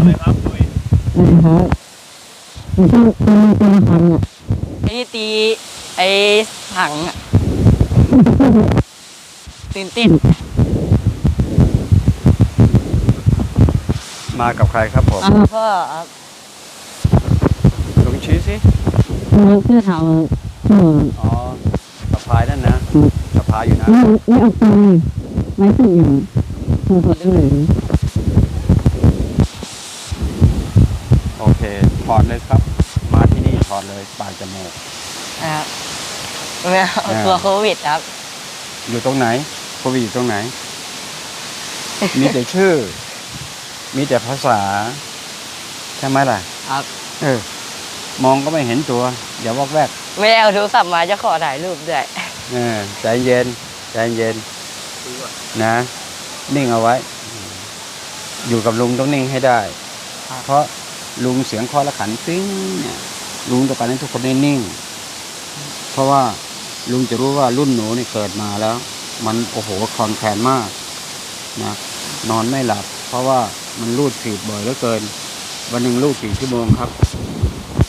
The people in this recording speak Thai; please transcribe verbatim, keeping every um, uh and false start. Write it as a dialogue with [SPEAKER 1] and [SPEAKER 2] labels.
[SPEAKER 1] เลยครับดุย
[SPEAKER 2] นะครับมันต้องตีตีละครั้งอ่ะ
[SPEAKER 3] ไอ้ที่ตีไอ้ถังอะตื่นเต้น
[SPEAKER 1] มากับใครครับผม
[SPEAKER 3] พ่อครับ
[SPEAKER 1] ลุงชี้สิ
[SPEAKER 2] มันเสื้อเทาเออ
[SPEAKER 1] อ๋อสะพายนั่นนะสะพายอยู่นะ
[SPEAKER 2] ไม่ไม่เอาไปไว้สึกอย่างหัวได้เลย
[SPEAKER 1] โอเคถอดเลยครับ มาที่นี่ถอดเลยปลายจมูก
[SPEAKER 3] นะครับไม่เอาตัวโควิดครับ
[SPEAKER 1] อยู่ตรงไหนโควิดอยู่ตรงไหน มีแต่ชื่อ มีแต่ภาษาใช่ไหมล่ะ
[SPEAKER 3] ครับ
[SPEAKER 1] เออ มองก็ไม่เห็นตัว อย่าวอกแวก
[SPEAKER 3] ไม่ได้เอาโทรศัพท์มาจะขอถ่ายรูปด้วย
[SPEAKER 1] เออใจเย็นใจเย็นนะ นิ่งเอาไว้ อยู่กับลุงต้องนิ่งให้ได้
[SPEAKER 3] ครับ
[SPEAKER 1] เพราะลุงเสียงเคอและขันปิ้งเนี่ยลุงต้องการให้ทุกคนได้นิ่ง เพราะว่าลุงจะรู้ว่ารุ่นหนูนี่เกิดมาแล้ว มันโอ้โหคลอนแคลนมากนะนอนไม่หลับ เพราะว่ามันรูดฝีดบ่อยเหลือเกิน วันหนึ่งรูดกี่ชั่วโมงครับ